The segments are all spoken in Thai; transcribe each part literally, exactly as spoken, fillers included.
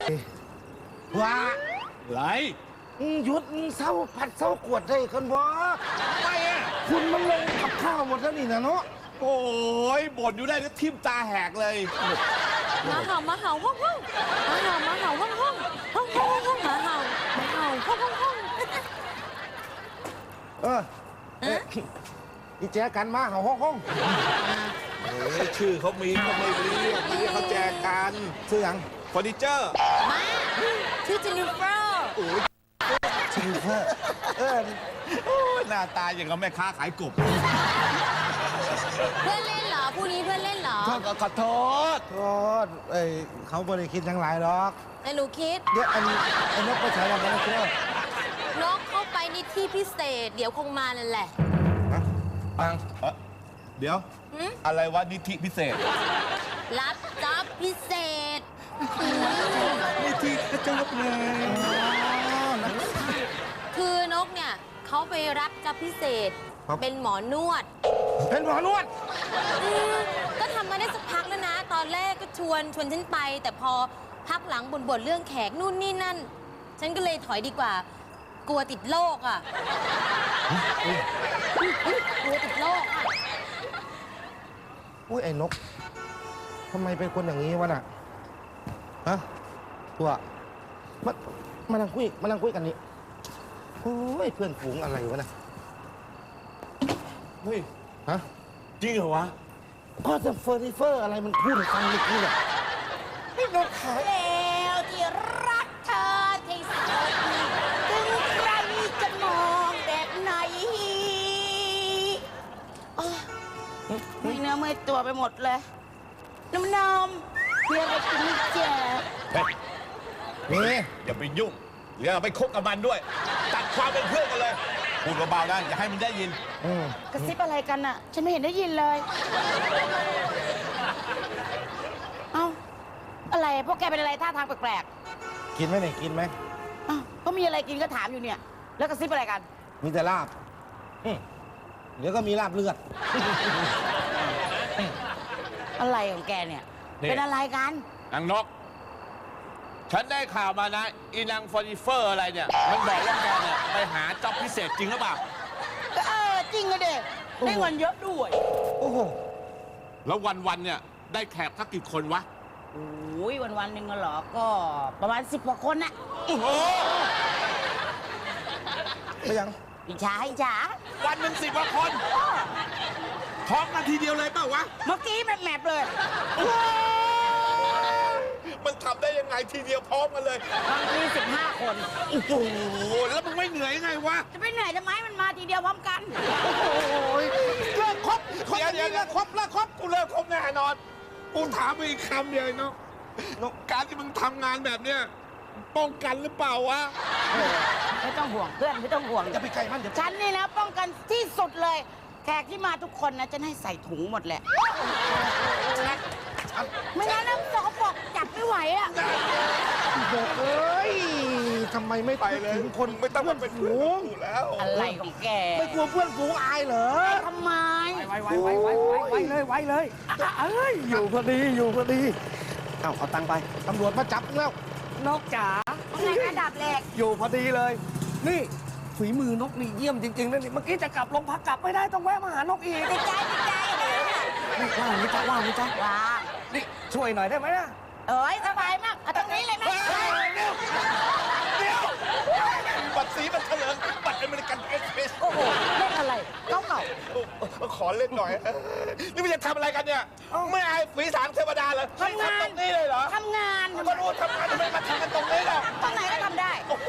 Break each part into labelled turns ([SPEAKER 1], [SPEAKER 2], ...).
[SPEAKER 1] ว่า
[SPEAKER 2] ไร
[SPEAKER 1] หยุดเศร้าผัดเศร้ากวดได้คนบ่
[SPEAKER 2] ไม่อะ
[SPEAKER 1] คุณมันลงกับข้าวหมดแล้วนี่นะเนาะ
[SPEAKER 2] โอ้ยบ่นอยู่ได้ก็ทิ่มตาแหกเลย
[SPEAKER 3] มาเห่ามาเห่าห้องห้องมาเห่ามาเห่าห้องห้องห้องห้องห้องมาเห่ามาเห่าห้องห้องห้อง
[SPEAKER 1] เอออีแจกันมาเห่าห้องห้อง
[SPEAKER 2] เฮ้ยชื่อเขามีเขาไม่เรียกเรียกเขาแจกัน
[SPEAKER 1] ชื่อยัง
[SPEAKER 2] เฟอร์นิเจอร์
[SPEAKER 3] มาชื่อเจนนิเฟอร์
[SPEAKER 2] โอ้ย
[SPEAKER 1] เจนนิเฟอร์เออ
[SPEAKER 2] หน้าตาอย่างกับแม่ค้าขายกบ
[SPEAKER 3] เพื่อนเล่นเหรอผู้นี้เพื่อนเล่นเหรอ
[SPEAKER 2] ขอโทษ
[SPEAKER 1] โทษเอ้ยเขาบริคิดทั้งหลายหรอก
[SPEAKER 3] แต่หนูคิด
[SPEAKER 1] เดี๋ยวอันไอ้นกไปใช้อะไรนะเชื่
[SPEAKER 3] อนกเข้าไปในที่พิเศษเดี๋ยวคงมานั่นแหละ
[SPEAKER 1] ปัง
[SPEAKER 2] เดี๋ยวอะไรวะนิธิพิเศษ
[SPEAKER 3] รับจ็อบพิเศษ
[SPEAKER 2] นิธิกระจกเลย
[SPEAKER 3] คือนกเนี่ยเขาไปรับจ็อบพิเศษเป็นหมอนวด
[SPEAKER 1] เป็นหมอนวด
[SPEAKER 3] ก็ทำมาได้สักพักแล้วนะตอนแรกก็ชวนชวนฉันไปแต่พอพักหลังบ่นๆเรื่องแขกนู่นนี่นั่นฉันก็เลยถอยดีกว่ากลัวติดโรคอ่ะกลัวติดโรคอ่ะ
[SPEAKER 1] อุ้ยไอ้นกทำไมเป็นคนอย่างนี้วะน่ะฮะตัวมามานั่งคุยมานั่งคุยกันนี่โอ้ยเพื่อนฝูงอะไรวะน่ะ
[SPEAKER 2] เฮ้ย
[SPEAKER 1] ฮะ
[SPEAKER 2] จริงเหรอวะ
[SPEAKER 1] ก็จะเฟอร์นิเฟอร์อะไรมันพูดฟังเมื่อกี้เนี่ย
[SPEAKER 3] พี่นกขาแล้วที่รักเธอที่สุดถึงใครจะมองแบบไหน
[SPEAKER 4] เมื่อยเนื้อเมื่อยตัวไปหมดเลยน้ำนมเพื่อนไปกินเจ๊
[SPEAKER 1] นี่
[SPEAKER 2] อย่าไปยุ่งอย่าไปคบกับมันด้วยตัดความเป็นเพื่อนกันเลยพูดเบาๆนะอย่าให้มันได้ยิน
[SPEAKER 4] กระซิบอะไรกันน่ะฉันไม่เห็นได้ยินเลยเอ้าอะไรพวกแกเป็นอะไรท่าทางแปลก
[SPEAKER 1] ๆกินไหมเนี่ยกินไหม
[SPEAKER 4] อ้าวก็มีอะไรกินก็ถามอยู่เนี่ยแล้วกระซิบอะไรกัน
[SPEAKER 1] มีแต่ลาบเดี๋ยวก็มีลาบเลือด
[SPEAKER 4] อะไรของแกเนี่ยเป็นอะไรกัน
[SPEAKER 2] นางนกฉันได้ข่าวมานะอีนางเฟอร์นิเฟอร์อะไรเนี่ยมันบอกว่าแกเนี่ยไปหาจ็อบพิเศษจริงหรือเปล่า
[SPEAKER 4] ก็เออจริงเลยเด็กได้เงินเยอะด้วย
[SPEAKER 1] โอ้โห
[SPEAKER 2] แล้ววันๆเนี่ยได้แขกสักกี่คนวะ
[SPEAKER 4] โอ้ยวันๆหนึ่งเหรอก็ประมาณสิบกว่าคนน่ะ
[SPEAKER 2] โอ้โห
[SPEAKER 1] ไม่ยัง
[SPEAKER 4] อิจฉาอิจฉา
[SPEAKER 2] วันหนึ่งสิบกว่าคนท้องกันทีเดียวเลยเปล่าวะ
[SPEAKER 4] เมื่อกี้แมบๆเลย
[SPEAKER 2] มันทำได้ยังไงทีเดียวพร้อมกันเลย
[SPEAKER 4] บางทีสิบห้าคน
[SPEAKER 2] โอ้โหแล้วมึงไม่เหนื่อยยังไงวะ
[SPEAKER 4] จะไปเหนื่อยทำไมมันมาทีเดียวพร้อมกัน
[SPEAKER 1] โอ้โหเลิกครบ
[SPEAKER 2] เดี๋ยวเดี๋ยวเลิกครบเลิกครบกูเลิกครบแน่นอนกูถามอีกคำเดียวเนาะการที่มึงทำงานแบบเนี้ยป้องกันหรือเปล่าวะ
[SPEAKER 4] ไม่ต้องห่วงเพื่อนไม่ต้องห่วง
[SPEAKER 1] จะไปไกลมันเดี๋ยว
[SPEAKER 4] ฉันนี่นะป้องกันที่สุดเลยแขกที่มาทุกคนนะจะให้ใส่ถุงหมดแหละไม่งั้นน้ำสกปรกจับไม่ไหวอ่ะ
[SPEAKER 1] บอกเอ้ยทำไมไม่
[SPEAKER 2] ไปเลย
[SPEAKER 1] คน
[SPEAKER 2] ไม่ต้องมาเป็นฝูงแล้ว
[SPEAKER 4] อะไรของแก
[SPEAKER 1] ไม่กลัวเพื่อนฝูงอายเหรอ
[SPEAKER 4] ทำไม
[SPEAKER 1] ไวไวไวไวไวไวเลยไวเลยเอ้ยอยู่พอดีอยู่พอดีเอ้าเอาตังไปตำรวจมาจับแล้ว
[SPEAKER 4] นกจ๋าไงระดับแรก
[SPEAKER 1] อยู่พอดีเลยนี่ฝีมือนกนี่เยี่ยมจริงๆนะนี่เมื่อกี้จะกลับลงพักกลับไม่ได้ต้องแวะมาหานกอีก
[SPEAKER 4] ติดใจติดใจ
[SPEAKER 1] นี่ว่างนี่จ้าว่างนี่จ้า
[SPEAKER 4] ว่าง
[SPEAKER 1] นี่ช่วยหน่อยได้ไหมนะ
[SPEAKER 4] เอ้ยสบายมากเอาตรงนี้เลยไหม
[SPEAKER 2] เดี๋ยวเดี๋ยวบัตรสีบัตรเถลิงบัตรอเมริกันเอ็กซ์เพรส
[SPEAKER 4] โอ้โหเล่นอะไรเก่าเก่า
[SPEAKER 2] ขอเล่นหน่อยนี่มันจะทำอะไรกันเนี่ยไม่อายฝีสางเทวดาเลย
[SPEAKER 4] ทำงาน
[SPEAKER 2] ตรงนี้เลยเหรอ
[SPEAKER 4] ทำงาน
[SPEAKER 2] ก็รู้ทำงานทำไมมาทำกันตรงนี้ล่ะ
[SPEAKER 4] ตรงไหนก็ทำได้
[SPEAKER 2] โอ้โห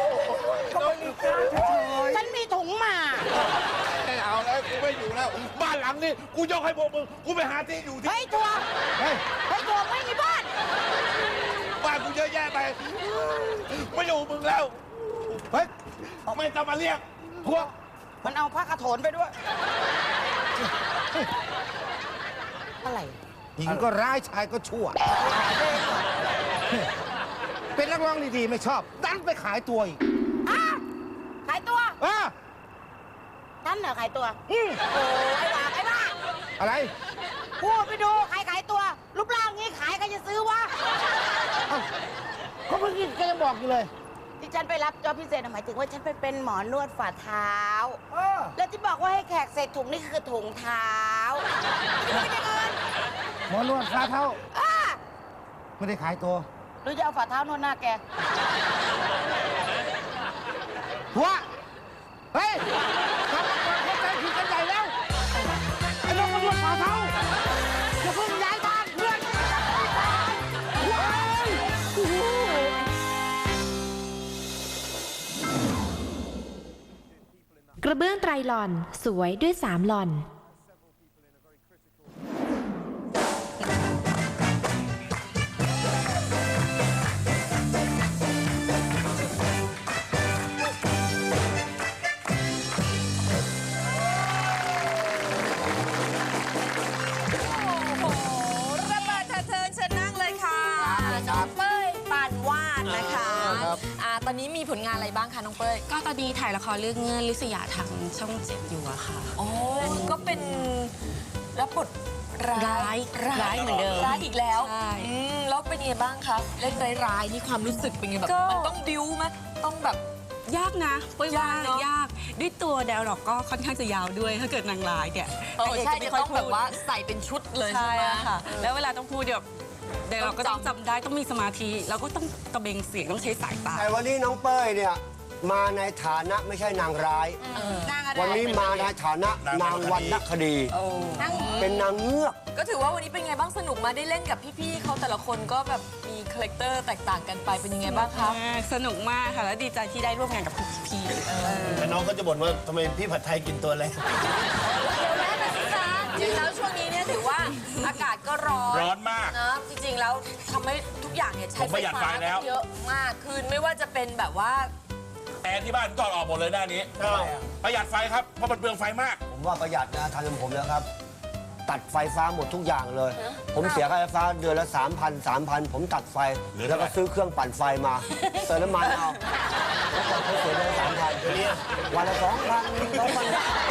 [SPEAKER 4] ฉันมีถุงมา
[SPEAKER 2] ไม่เอาแล้วกูไม่อยู่แล้วบ้านหลังนี้กูยกให้พวกมึงกูไปหาที่อยู่ที่
[SPEAKER 4] เฮ้ยตัวเฮ้ยเฮ้ยตัวไม่มีบ้าน
[SPEAKER 2] บ้านกูเยอะแยะไปไม่อยู่มึงแล้วเฮ้ยไม่ต้องมาเรียกพวก
[SPEAKER 4] มันเอาผ้ากระโถนไปด้วยอะไร
[SPEAKER 1] หญิงก็ร้ายชายก็ชั่วเป็นนักร้องดีๆไม่ชอบดันไปขายตัวอีก
[SPEAKER 4] ขายตัว
[SPEAKER 1] อ่ะ
[SPEAKER 4] ฉันเหรอขายตัว
[SPEAKER 1] อืม
[SPEAKER 4] โอ้ไอ้บ้าไอ้บ้า
[SPEAKER 1] อะไร
[SPEAKER 4] พูดไปดูใครขายตัวรูปร่างงี้ขายใครจะซื้อวะ
[SPEAKER 1] กเขาเมื่อกี้แกยังบอกอยู่เลย
[SPEAKER 4] ที่ฉันไปรับจอบพิเศษหมายถึงว่าฉันไปเป็นหมอนวดฝ่าเท้า
[SPEAKER 1] เออ
[SPEAKER 4] และที่บอกว่าให้แขกใส่ถุงนี่คือถุงเท้าไม่ได้เงิน
[SPEAKER 1] หมอนวดฝ่าเท้า
[SPEAKER 4] อ่า
[SPEAKER 1] ไม่ได้ขายตัว
[SPEAKER 4] หรือจะเอาฝ่าเท้านวดหน้าแก
[SPEAKER 1] หัวเฮ้ยกลับมาก่อนเข้าใจผิดกันใหญ่แล้วไอ้น้องมานวดฝ่าเท้าอย่าเพิ่งย้ายบ้านเพื่อนว้ายโอ้โห
[SPEAKER 5] กระเบื้องไตรหล่อนสวยด้วยสามหล่อน
[SPEAKER 6] โอ้โหระเบิดเถิดเทิงเชิญนั่งเลยค่ะน้องเป้ยปานวาดนะคะอ่าตอนนี้มีผลงานอะไรบ้างคะน้องเป้ย
[SPEAKER 7] ก็ตอนนี้ถ่ายละครเรื่องเงื่อนลิศยาทางช่องเจ็ดอยู่อะค่ะ
[SPEAKER 6] โอ้ก็เป็นรับบทร้าย
[SPEAKER 7] ร้ายร้ายเหมือนเดิม
[SPEAKER 6] ร้ายอีกแล้ว
[SPEAKER 7] ใช่
[SPEAKER 6] อืมแล้วเป็นยังไงบ้างคะเล่นร้ายๆนี่ความรู้สึกเป็นไงแบบ
[SPEAKER 7] ก็
[SPEAKER 6] มันต้องบิ้วไหมต้องแบบ
[SPEAKER 7] ยากนะเป้ยว่าย
[SPEAKER 6] ากเนอะ
[SPEAKER 7] ยากด้วยตัวแดวหรอกก็ค่อนข้างจะยาวด้วย ถ้าเกิดนางร้ายเนี่ย
[SPEAKER 6] เออใช่
[SPEAKER 7] นางเก
[SPEAKER 6] จะ
[SPEAKER 7] ไม่ค่ย
[SPEAKER 6] ต้องแบบ
[SPEAKER 7] พูด
[SPEAKER 6] ว่าใส่เป็นชุดเลยใช่
[SPEAKER 7] ใช่
[SPEAKER 6] ไหม
[SPEAKER 7] ค่ะ แล้วเวลาต้องพูดเดี๋ยวแดวเราก็
[SPEAKER 6] ต้
[SPEAKER 7] ต้
[SPEAKER 6] อ
[SPEAKER 7] อง ง
[SPEAKER 6] จำ
[SPEAKER 7] จำได้ต้องมีสมาธิแล้วก็ต้องตะเบงเสียงต้องใช้สายตา
[SPEAKER 8] แต่วันนี้น้องเป้ยเนี่ยมาในฐานะไม่ใช่นางร้าย
[SPEAKER 6] นางอะไร
[SPEAKER 8] วันนี้มาในฐานะนางวรรณคดี
[SPEAKER 6] นั่ง
[SPEAKER 8] เป็นนางเงือก
[SPEAKER 6] ก็ถือว่าวันนี้เป็นไงบ้างสนุกมาได้เล่นกับพี่ๆเขาแต่ละคนก็แบบมีคาแรคเตอร์แตกต่างกันไปเป็นยังไงบ้างคะ
[SPEAKER 7] สนุกมากค่ะแล้วดีใจที่ได้ร่วมงานกับพี่ๆ
[SPEAKER 9] แต่น้องก็จะบ่นว่าทำไมพี่ผัดไทยกินตัวเล็ก
[SPEAKER 6] เดี๋ยวแม่ไปสิคะจริงๆแล้วช่วงนี้เนี่ยถือว่าอากาศก็ร้อน
[SPEAKER 9] ร้อนมาก
[SPEAKER 6] นะจริงๆแล้วทำให้ทุกอย่างเนี่ยใช้
[SPEAKER 9] ผมประหยัดไฟแล้ว
[SPEAKER 6] เยอะมากขึ้นไม่ว่าจะเป็นแบบว่า
[SPEAKER 9] แอร์ที่บ้านถอดออกหมดเลยหน้านี้ประหยัดไฟครับเพราะมันเปลืองไฟมาก
[SPEAKER 8] ผมว่าประหยัดนะทางผมแล้วครับ ตัดไฟฟ้าหมดทุกอย่างเลย ผมเสียค่าไฟฟ้าเดือนละสามพันสามพันผมตัดไฟ
[SPEAKER 9] เหลือ
[SPEAKER 8] แล้ว
[SPEAKER 9] เท่าไหร่
[SPEAKER 8] ก็ซื้อเครื่องปั่นไฟมาเติมน้ำมันเอาแล้วก่อนเขาเสียเดือนละสามพันวันละสองพันสองพัน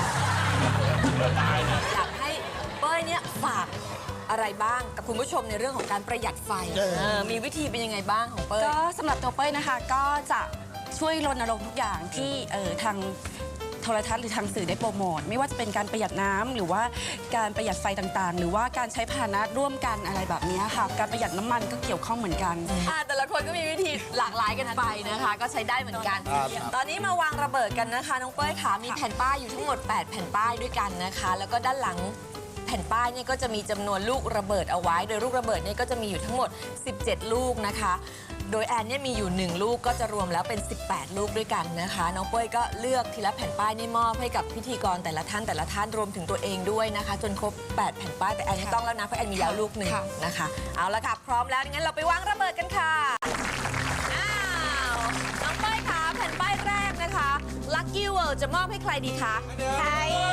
[SPEAKER 6] อยากให้เป้ยเนี่ยฝากอะไรบ้างกับคุณผู้ชมในเรื่องของการประหยัดไฟเออมีวิธีเป็นยังไงบ้างของเป้ย
[SPEAKER 7] ก็สำหรับตัวเป้ยนะคะก็จะช่วยรณรงค์ทุกอย่างที่เอ่อทางโทรทัศน์หรือทางสื่อได้โปรโมทไม่ว่าจะเป็นการประหยัดน้ำหรือว่าการประหยัดไฟต่างๆ หรือว่าการใช้พาหนะร่วมกันอะไรแบบนี้ค่ะการประหยัดน้ำมันก็เกี่ยวข้องเหมือนกัน
[SPEAKER 6] อ่าแต่ละคนก็มีวิธีหลากหลายกันไปนะคะ ก็ใช้ได้เหมือนกัน ตอนนี้มาวางระเบิดกันนะคะน้องเป้ยค่ะมีแผ่นป้ายอยู่ทั้งหมดแปดแผ่นป้ายด้วยกันนะคะ แล้วก็ด้านหลังแผ่นป้ายเนี่ยก็จะมีจำนวนลูกระเบิดเอาไว้ โดยลูกระเบิดเนี่ยก็จะมีอยู่ทั้งหมดสิบเจ็ดลูกนะคะโดยแอนเนี่ยมีอยู่หนึ่งลูกก็จะรวมแล้วเป็นสิบแปดลูกด้วยกันนะคะน้องเป้ยก็เลือกทีละแผ่นป้ายนี่มอบให้กับพิธีกรแต่ละท่านแต่ละท่านรวมถึงตัวเองด้วยนะคะจนครบแปดแผ่นป้ายแต่แอนไม่ต้องแล้วนะเพราะแอนมีแล้วลูกหนึ่ง
[SPEAKER 7] ค่ะ
[SPEAKER 6] นะคะเอาละค่ะพร้อมแล้วงั้นเราไปวางระเบิดกันค่ะอ้าวน้องเป้ยคะแผ่นป้ายแรกนะคะ Lucky World จะมอบให้ใครดีคะใคร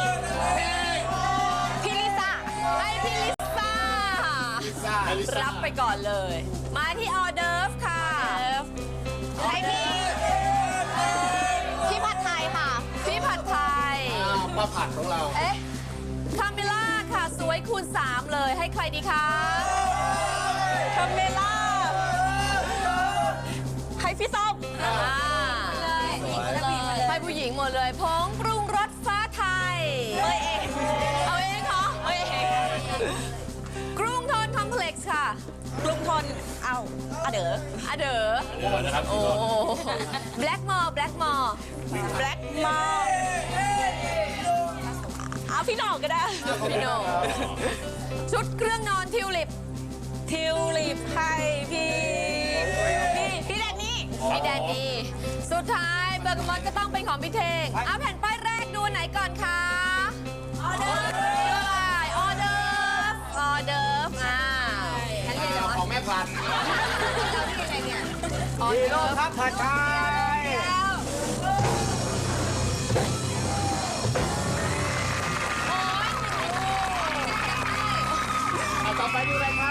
[SPEAKER 6] พี่ลิซ่าให้พี่ลิซ่ารับไปก่อนเลย มาที่ออเดิร์ฟค่ะให้พี่พี่ผัดไทยค่ะพี่ผัดไทย
[SPEAKER 9] มาผัดของเรา
[SPEAKER 6] เอ๊ะคาเมล่าค่ะสวยคูณสามเลยให้ใครดีคะคาเมล่าให้พี่ส้มอ่าให้ผู้หญิงหมดเลยผงปรุงรสฟ้าไทยเอาเองเอาเองเหรอเอาเองกรุงทนคอมเพล็กซ์ค่ะ
[SPEAKER 7] กรุงทนเอาอะเด๋อ
[SPEAKER 6] อะเด๋อโอ้แบล็กมอร์แบล็กมอร์แบล็กมอร์
[SPEAKER 7] เอาพี่หน่องก็ได้
[SPEAKER 6] พี่โนชุดเครื่องนอนทิวลิป
[SPEAKER 7] ทิวลิปให้พี่พี่พี่แดนนี่
[SPEAKER 6] พี่แดนนี่สุดท้ายเบอร์กมอนก็ต้องเป็นของพี่เทงเอาแผ่นป้ายแรกดูไหนก่อนคะออเดิร์ฟออเดิร์ฟออเดิร์ฟอ่าฉันเรียนเหรอ
[SPEAKER 9] ของแม่ผัด
[SPEAKER 8] ฮีโร่ครับผัดไทย
[SPEAKER 9] เอาต่อไปดูอะไรครับ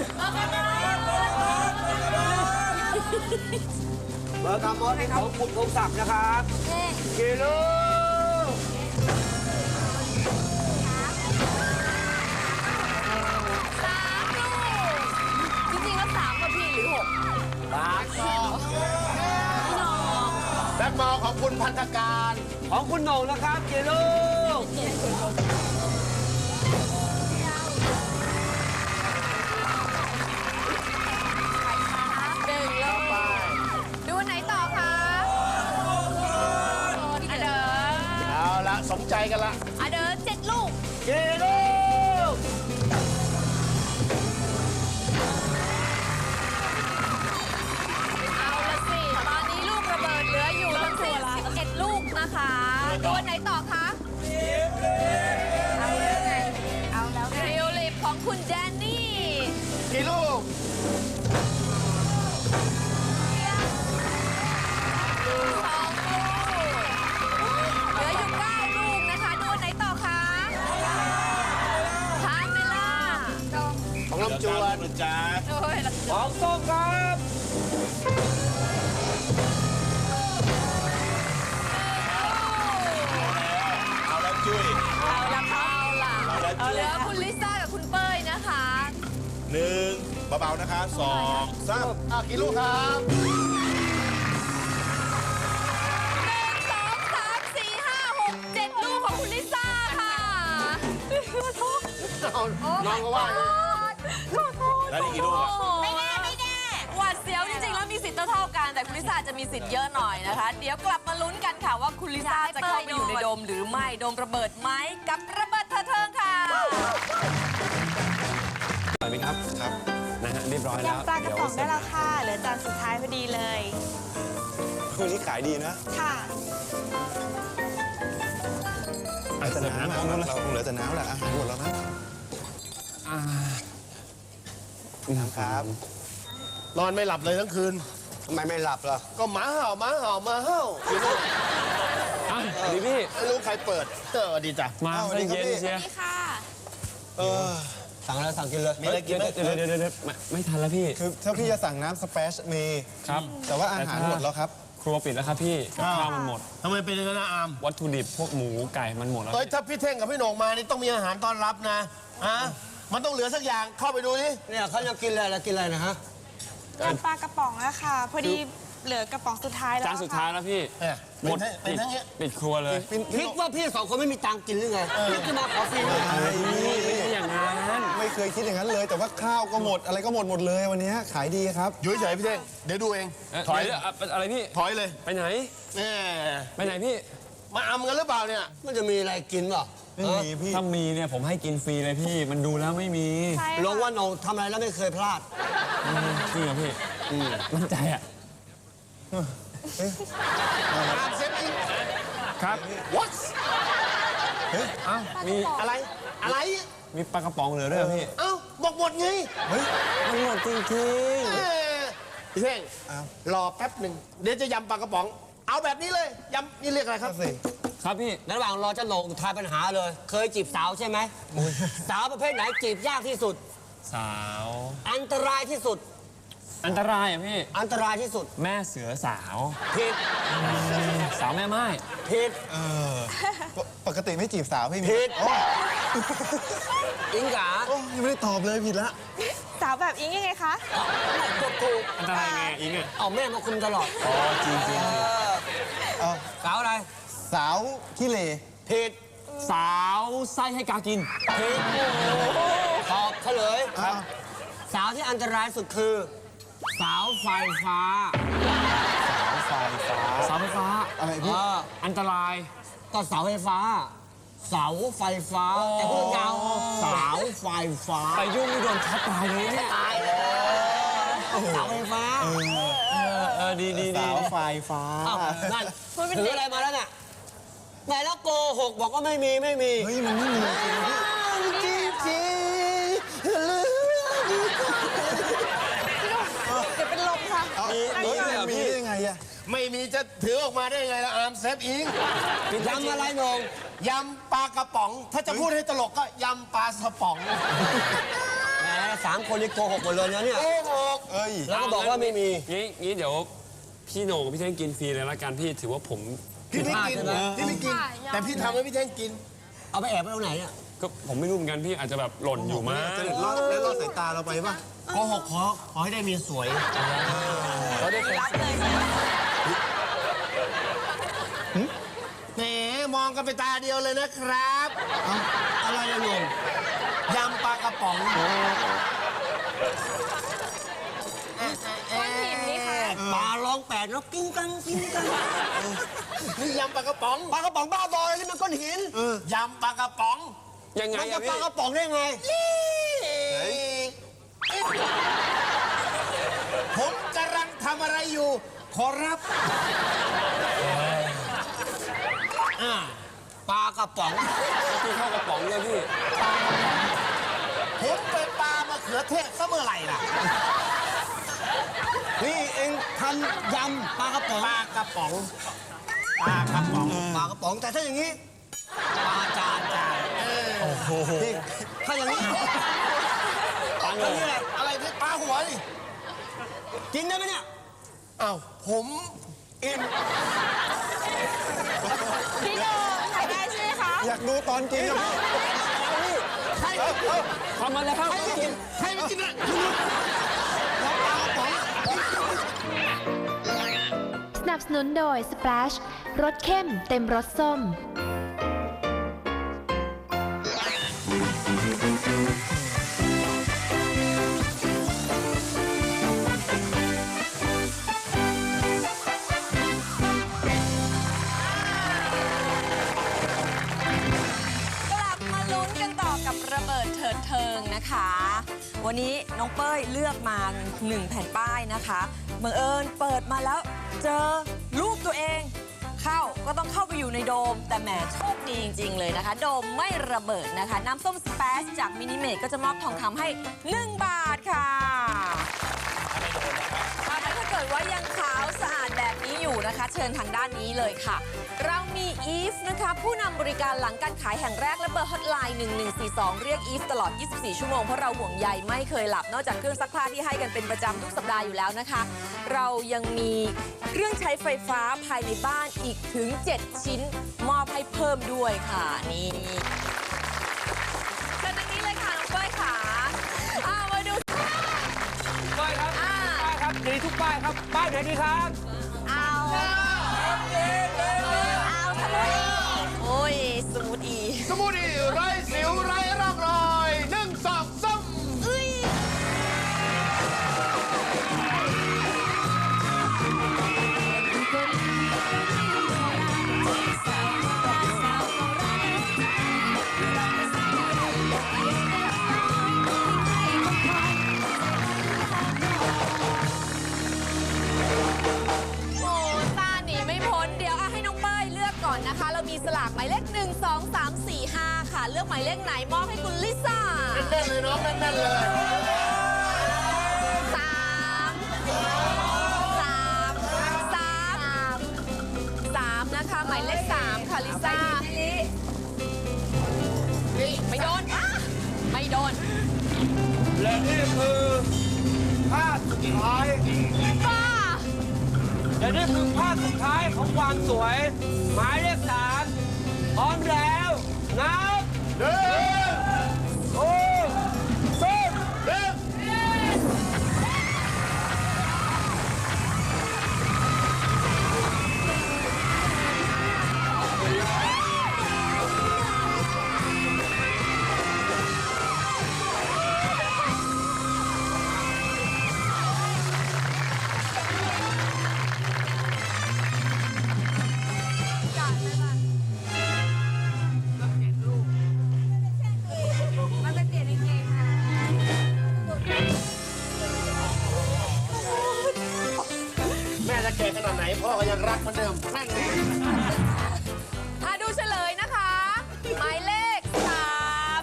[SPEAKER 8] เบอร์กามอสนี่ของคุณพงศักดิ์นะครับฮีโร่
[SPEAKER 6] สามลูกจริงๆแล้วสามกับพี่หรือหก
[SPEAKER 8] ส
[SPEAKER 1] แบ็คมอลของคุณพันธการ
[SPEAKER 8] ของคุณโหน่งนะครับกี่ลูก
[SPEAKER 6] หนึ่งลูกดูไหนต่อคะอเดอ
[SPEAKER 1] เอาละสมใจกันละ
[SPEAKER 6] อเดอเจ็ดลูก
[SPEAKER 8] กี่ลูก
[SPEAKER 6] เอาละสิ ตอนนี้ลูกระเบิดเหลืออยู่ทั้งสิ้นสิบเอ็ดลูกนะคะดูไหนต่อคะเอาแล้วไงเอาแล้วไงทิวลิปของคุณแดนนี่
[SPEAKER 1] กี่ลูก
[SPEAKER 6] สองลูก เหลืออยู่เก้าลูกนะคะ ดูไหนต่อคะพาเมล่า
[SPEAKER 1] ของลำจวน
[SPEAKER 9] นะจ๊ะ
[SPEAKER 6] โอ้ย
[SPEAKER 8] ของส้มครับ
[SPEAKER 9] เอาแล้วจุ้ย
[SPEAKER 6] เอาละค่ะเอาละ
[SPEAKER 9] เอาละ
[SPEAKER 6] เหลือคุณลิซ่ากับคุณเป้ยนะคะ
[SPEAKER 9] หนึ่งเบาๆนะคะสองสาม
[SPEAKER 1] อ่ะกี่ลูกครับ
[SPEAKER 6] หนึ่งสองสามสี่ห้าหกเจ็ดลูกของคุณลิซ่าค่ะ
[SPEAKER 1] น้องก็ว่า
[SPEAKER 9] แล้วนี่กี่ลูกอะ
[SPEAKER 6] ไม่แน่ไม่แน่หวาดเสียวจริงๆแล้วมีสิทธิ์เท่าๆกัน แต่คุณลิซ่าจะมีสิทธิ์เยอะหน่อยนะคะ เดี๋ยวกลับมาลุ้นกันค่ะว่าคุณลิซ่าจะเข้าไปอยู่ในโดมหรือไม่โดมระเบิดไหมกับระเบิดเธอเทิงค่ะ
[SPEAKER 10] อร่อยไหมครับ ครับ นะฮะเรียบร้อยแล้ว
[SPEAKER 11] ยำปลากระป๋องได้แล้วค่ะ เหลือจานสุดท้ายพอดีเลย
[SPEAKER 10] วันนี้ขายดีนะ
[SPEAKER 11] ค่ะ
[SPEAKER 10] เหลือแต่น้ำเราเราคงเหลือแต่น้ำแหละอาหารหมดแล้วนะน้ำครับ
[SPEAKER 1] นอนไม่หลับเลยทั้งคืน
[SPEAKER 8] ทำไมไม่หลับล่ะ
[SPEAKER 1] ก็หมาเห่าหมาเห่าหมาเห่ากี่ลูก
[SPEAKER 10] อ่ะดีพี่
[SPEAKER 1] ไม่รู้ใครเปิดเออดีจ้ะ
[SPEAKER 10] มาได้เย็นเชีย
[SPEAKER 6] นี่ค่ะ
[SPEAKER 8] เออ สั่งอะไรสั่งกินเลย
[SPEAKER 1] มีอะไรกินไหม
[SPEAKER 10] เดี๋ยวเดี๋ยวเดี๋ยวเดี๋ยวไม่ไม่ทันแล้วพี่
[SPEAKER 12] คือถ้าพี่จะสั่งน้ำสเปชมี
[SPEAKER 10] ครับ
[SPEAKER 12] แต่ว่าอาหารหมดแล้วครับ
[SPEAKER 10] ครัวปิดแล้วครับพี่กับข้าวมันหมด
[SPEAKER 1] ทำไมเป็นอย่างนั้นนะอาม
[SPEAKER 10] วัตถุดิบพวกหมูไก่มันหมดแล้ว
[SPEAKER 1] เอ้ยถ้าพี่เท่งกับพี่โหน่งมานี่ต้องมีอาหารต้อนรับนะฮะมันต้องเหลือสักอย่างเข้าไปดูดิ
[SPEAKER 8] เนี่ยเขาจะกินอะไรแล้วกินอะไรนะฮะ
[SPEAKER 11] ยำปลากระป๋องอะค่ะ พอดีเหลือกระป๋องสุดท้ายแล้ว
[SPEAKER 10] จานสุดท้ายแล้วพี่
[SPEAKER 1] เนี่ย
[SPEAKER 10] หมด
[SPEAKER 1] เป็น
[SPEAKER 10] ปิด
[SPEAKER 1] ทั้งเนี้ย
[SPEAKER 10] ปิดครัวเลย
[SPEAKER 8] คิดว่าพี่สองคนไม่มีตังค์กินหรือไงพี่จะมาขอฟรีเลย
[SPEAKER 10] ไม่ใช่อย่างนั้น
[SPEAKER 12] ไม่เคยคิดอย่างนั้นเลย แต่ว่าข้าวก็หมดอะไรก็หมดหมดเลยวันนี้ขายดีครับ
[SPEAKER 1] อยู่เฉยๆพี่เท่งเดี๋ยวดูเอง
[SPEAKER 10] เอ่อ
[SPEAKER 1] ถอย
[SPEAKER 10] เดี๋ยวอะไรพี่
[SPEAKER 1] ถอยเลย
[SPEAKER 10] ไปไหน
[SPEAKER 1] แน่
[SPEAKER 10] ไปไหนพี่
[SPEAKER 1] มาอำกันหรือเปล่าเนี่ย
[SPEAKER 8] มันจะมีอะไรกินเปล่า
[SPEAKER 12] ไม่มีพี่
[SPEAKER 10] ถ้ามีเนี่ยผมให้กินฟรีเลยพี่ มันดูแล้วไม่มี
[SPEAKER 11] ใช่
[SPEAKER 8] ลง
[SPEAKER 11] ค่ะ
[SPEAKER 8] ว่าโหนงทำอะไรแล้วไม่เคยพลาด
[SPEAKER 10] จริงเหรอพี่มั่นใจอ่ะ
[SPEAKER 1] อามเซฟอิง
[SPEAKER 10] ครับ
[SPEAKER 1] what
[SPEAKER 10] เอ้ามี
[SPEAKER 1] อะไรอะไร
[SPEAKER 10] มีปลากระป๋องเหลือด้วยเหรอพี่
[SPEAKER 1] เอ้าบอกหมดไง
[SPEAKER 10] มันหมดจริง
[SPEAKER 1] เอ้ยพี่เท่งรอแป๊บหนึ่งเดี๋ยวจะยำปลากระป๋อง เอาแบบนี้เลยยำนี่เรียกอะไรครับ
[SPEAKER 10] ๆครับพี่
[SPEAKER 8] ในระหว่างรอเจ้าโหนงทายปัญหาเลย เคยจีบสาวใช่ไหมสาวประเภทไหนจีบยากที่สุด
[SPEAKER 10] สาว
[SPEAKER 8] อันตรายที่สุด
[SPEAKER 10] อันตรายอ่ะพี่
[SPEAKER 8] อันตรายที่สุด
[SPEAKER 10] แม่เสือสาว
[SPEAKER 8] ผิด
[SPEAKER 10] สาวแม่ไม้
[SPEAKER 8] ผิด
[SPEAKER 12] เออปปกติไม่จีบสาวพี่มี
[SPEAKER 8] ผิด
[SPEAKER 12] โอ้
[SPEAKER 8] อิงกา
[SPEAKER 12] โอ้ยังไม่ได้ตอบเลยผิดละ
[SPEAKER 11] สาวแบบอิงยังไงคะ
[SPEAKER 8] ถูกถูก
[SPEAKER 10] อันตรายไงอิงอ่ะ
[SPEAKER 8] เอาแม่มาคุมตลอด
[SPEAKER 10] อ๋อจริงจริง
[SPEAKER 8] เออสาวอะไร
[SPEAKER 12] สาวขี้เหร่
[SPEAKER 8] ผิด
[SPEAKER 10] สาวไส้ให้กากิน
[SPEAKER 8] ผิดตอบเฉลย
[SPEAKER 12] ครับ
[SPEAKER 8] สาวที่อันตรายสุดคือ สาวไฟฟ้า
[SPEAKER 12] สาวไฟฟ้า
[SPEAKER 10] เสาไฟฟ้า
[SPEAKER 12] อะไรพี่
[SPEAKER 8] เออ
[SPEAKER 10] อันตราย
[SPEAKER 8] ก็เสาไฟฟ้า เสาไฟฟ้า แต่พูดยาวเสาไฟฟ้า
[SPEAKER 10] ไปยุ่งนี่โดนช็อตตายเลยเนี่ย
[SPEAKER 8] ตายเลยเสาไฟฟ้า
[SPEAKER 10] เออเออดีดีดี
[SPEAKER 12] สาวไฟฟ้า
[SPEAKER 8] อ้าวนั่นถืออะไรมาแล้วเนี่ยไหนแล้วโกหกบอกว่าไม่มีไม่มี
[SPEAKER 12] เฮ้ยมันไม่มีจริงพี่
[SPEAKER 11] เดี๋ยวเป็นลมค่ะ
[SPEAKER 12] มีเฮ้ยมันมีได้ยังไงอะ
[SPEAKER 1] ไม่มีจะถือออกมาได้ยังไงล่ะอามเซฟอิง
[SPEAKER 8] ยำอะไรโหนง
[SPEAKER 1] ยำปลากระป๋อง ถ้าจะพูดให้ตลกก็ยำปลาสป๋อง
[SPEAKER 8] แหมสามคนนี่โกหกหมดเลยนะเนี่ย
[SPEAKER 1] โอ้โห
[SPEAKER 12] เอ้ย
[SPEAKER 8] แล้วก็บอกว่าไม่มี
[SPEAKER 10] งี้งี้เดี๋ยวพี่โหน่งกับพี่เท่งกินฟรีเลยละกันพี่ถือว่าผม
[SPEAKER 1] พี่ไม่กิน
[SPEAKER 8] ใช่ไหม
[SPEAKER 1] พี่ไม่กิน แต่พี่ทำให้พี่แท่งกิน
[SPEAKER 8] เอาไปแอบไว้ตรงไหนเนี่ย
[SPEAKER 10] ก็ผมไม่รู้เหมือนกันพี่อาจจะแบบหล่นอยู่มั้ง
[SPEAKER 12] จะเด็ดรอดแล้วรอดสายตาเราไปป่ะ
[SPEAKER 1] โกหกขอขอให้ได้เมียสวย
[SPEAKER 10] เ
[SPEAKER 6] รับเลยใช่ไหม
[SPEAKER 8] แหมมองกันไปตาเดียวเลยนะครับอะไรนะลุงยำปลากระป๋อง
[SPEAKER 6] คนหินนี่ค่ะ
[SPEAKER 8] ปลาร้องแปดแล้วกิ้งกังกิ้งกังนี่ยำปลากระป๋องปลากระป๋องบ้าบอเลยนี่มันก้อนหินยำปลากระป๋องยังไงมันจะปลากระป๋องได้ไงผมกำลังทำอะไรอยู่ขอรับอ่าปลากระป๋องที่เข้ากระป๋องเลยพี่ผมไปปลามะเขือเทศซะเมื่อไหร่ล่ะนี่เองทำยำปลากระป๋องปลากระป๋องปลากระป๋องปลากระป๋องแต่ถ้าอย่างนี้ปลาจานจานโอ้โหถ้าอย่างนี้ปลาอย่างนี้แหละอะไรพี่ปลาหัวนี่กินได้ไหมเนี่ยอ้าวผมอิ่ม
[SPEAKER 11] พี่โดมถ่ายได้ใช่ไหมคะ
[SPEAKER 12] อยากดูตอนกินนะพี่
[SPEAKER 8] ใครทำอะไรครับใครไม่กินใครไม่กินนะแล้วปลากระป๋อง
[SPEAKER 5] สนับสนุนโดย Splash รสเข้มเต็มรสส้ม
[SPEAKER 6] กลับมาลุ้นกันต่อกับระเบิดเถิดเทิงนะคะ วันนี้น้องเป้ยเลือกมาหนึ่งแผ่นป้ายนะคะบังเอิญเปิดมาแล้วเจอรูปตัวเองเข้าก็ต้องเข้าไปอยู่ในโดม แต่แหมโชคดีจริงๆเลยนะคะ โดมไม่ระเบิดนะคะ น้ำส้มสเปซจากมินิเมดก็จะมอบทองคำให้หนึ่งบาทค่ะถ้าเกิดว่ายังขาวสะอาดแบบนี้อยู่นะคะ เชิญทางด้านนี้เลยค่ะ เรามีอีฟนะคะผู้นำบริการหลังการขายแห่งแรกและเบอร์ฮอตไลน์หนึ่งหนึ่งสี่สองเรียกอีฟตลอดยี่สิบสี่ชั่วโมงเพราะเราห่วงใยไม่เคยหลับนอกจากเครื่องซักผ้าที่ให้กันเป็นประจำทุกสัปดาห์อยู่แล้วนะคะ เรายังมีเครื่องใช้ไฟฟ้าภายในบ้านอีกถึงเจ็ดชิ้นมอบให้เพิ่มด้วยค่ะนี่เชิญทางนี้เลยค่ะน้องเป้ยค่ะอ้าวมาดูป้ายครับป้ายครับดีทุกป้ายครับป้ายไหนดีครับเอาเอาสมูทอีโอ้ยสมูทอี
[SPEAKER 2] สมูทอีไร้สิวไร้ร่องรอยหนึ่งสองสาม
[SPEAKER 6] โอ้ตาหนีไม่พ้นเดี๋ยวให้น้องเป้ยเลือกก่อนนะคะ เรามีสลากหมายเลขหนึ่ง สอง สาม สี่ ห้าค่ะ เลือกหมายเลขไหนมอบให้คุณลิซ่าแน่นๆเลยน้องแน่นๆเลยสามสามสามสามนะคะหมายเลขสามค่ะลิซ่าไม่โดนอ่ะไม่โดน
[SPEAKER 8] และนี่คือภาพสุดท้าย
[SPEAKER 6] ป้า
[SPEAKER 8] และนี่คือภาพสุดท้ายของความสวย หมายเลขสามพร้อมแล้วนับหนึ่งสองสามหนึ่ง
[SPEAKER 2] แม่จะแก่ขนาดไหนพ่อก็ยังรักเหมือนเดิมนั่นไง
[SPEAKER 6] อ่ะดูเฉลยนะคะ หมายเลขสาม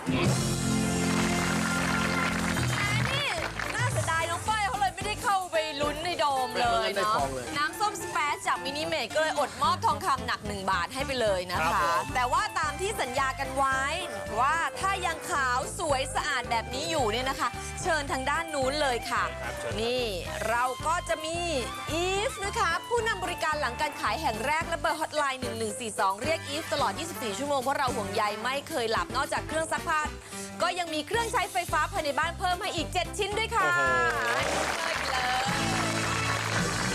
[SPEAKER 6] อันนี้น่าเสียดายน้องเป้ยเขาเลยไม่ได้เข้าไปลุ้นในโดมเลยเนาะน้ำส้มสเปซจากมินิเมดก็เลยอดมอบทองคำหนักหนึ่งบาทให้ไปเลยนะคะ แต่ว่าตามที่สัญญากันไว้ว่าถ้ายังขาวสวยสะอาดแบบนี้อยู่เนี่ยนะคะ เชิญทางด้านนู้นเลยค่ะ นี่เราก็จะมีอีฟนะคะผู้นำบริการหลังการขายแห่งแรกและเบอร์ฮอตไลน์หนึ่งหนึ่งสี่สองเรียกอีฟตลอดยี่สิบสี่ชั่วโมงเพราะเราห่วงใยไม่เคยหลับนอกจากเครื่องซักผ้าก็ยังมีเครื่องใช้ไฟฟ้าภายในบ้านเพิ่มให้อีกเจ็ดชิ้นด้วยค่ะให้เลยไปเลย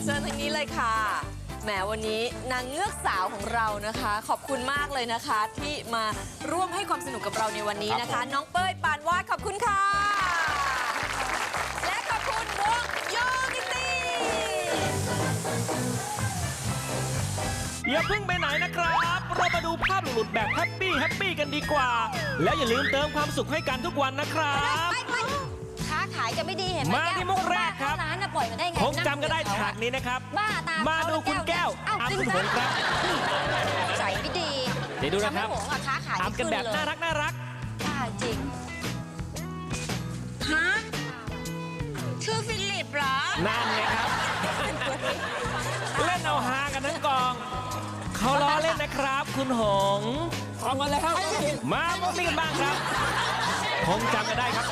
[SPEAKER 6] ชิญทางนี้เลยค่ะแหมวันนี้นางเงือกสาวของเรานะคะ ขอบคุณมากเลยนะคะ ที่มาร่วมให้ความสนุกกับเราในวันนี้นะคะ น้องเป้ยปานวาดขอบคุณค่ะ และขอบคุณวงโยกิตี้
[SPEAKER 13] อย่าเพิ่งไปไหนนะครับ เรามาดูภาพหลุดๆแบบแฮปปี้แฮปปี้กันดีกว่า แล้วอย่าลืมเติมความสุขให้กันทุกวันนะครับ
[SPEAKER 3] ค้าขายจะไม่ดีเห็นไหม
[SPEAKER 13] มาที่มุกแรกครับ
[SPEAKER 3] ร้านน่ะปล่อยมาได้ไง
[SPEAKER 13] คงจำกันได้ฉากนี้นะครับ
[SPEAKER 3] บ้าตาม
[SPEAKER 13] มาดูคุณแก้ว
[SPEAKER 3] เอ้า
[SPEAKER 13] อา
[SPEAKER 3] จริง
[SPEAKER 13] คุณ
[SPEAKER 3] ซะ
[SPEAKER 13] หงครับ
[SPEAKER 3] ใจไม่ดี
[SPEAKER 13] เดี๋ยวดูนะครับ
[SPEAKER 3] ทำให้หงอะค้าขาย
[SPEAKER 13] ทำกันแบบน่ารักน่ารัก
[SPEAKER 3] บ้าจริง
[SPEAKER 4] ฮะ ชื่อฟิลิปเหรอ
[SPEAKER 13] นั่นไงครับ เล่นเอาฮากันทั้งกอง เขาล้อเล่นนะครับ คุณหงพร้อมมาแล้ว มาพวกนี้กันบ้างครับ คงจำกันได้ครับ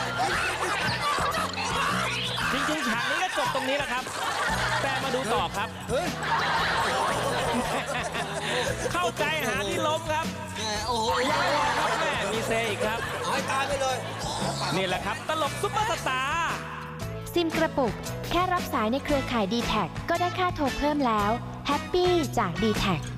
[SPEAKER 13] จริงๆฉากนี้ก็จบตรงนี้แหละครับ แต่มาดูต่อครับ เข้าใจหาที่ล้มครับ
[SPEAKER 8] โอ้โห
[SPEAKER 13] ครับแม่มีเซอีกครับ
[SPEAKER 8] เอาให้ตายไปเลย
[SPEAKER 13] นี่แหละครับ ตลกซุปเปอร์สตาร์
[SPEAKER 5] ซิมกระปุก แค่รับสายในเครือข่าย ดี แท็ก ก็ได้ค่าโทรเพิ่มแล้ว แฮปปี้จาก ดี แท็ก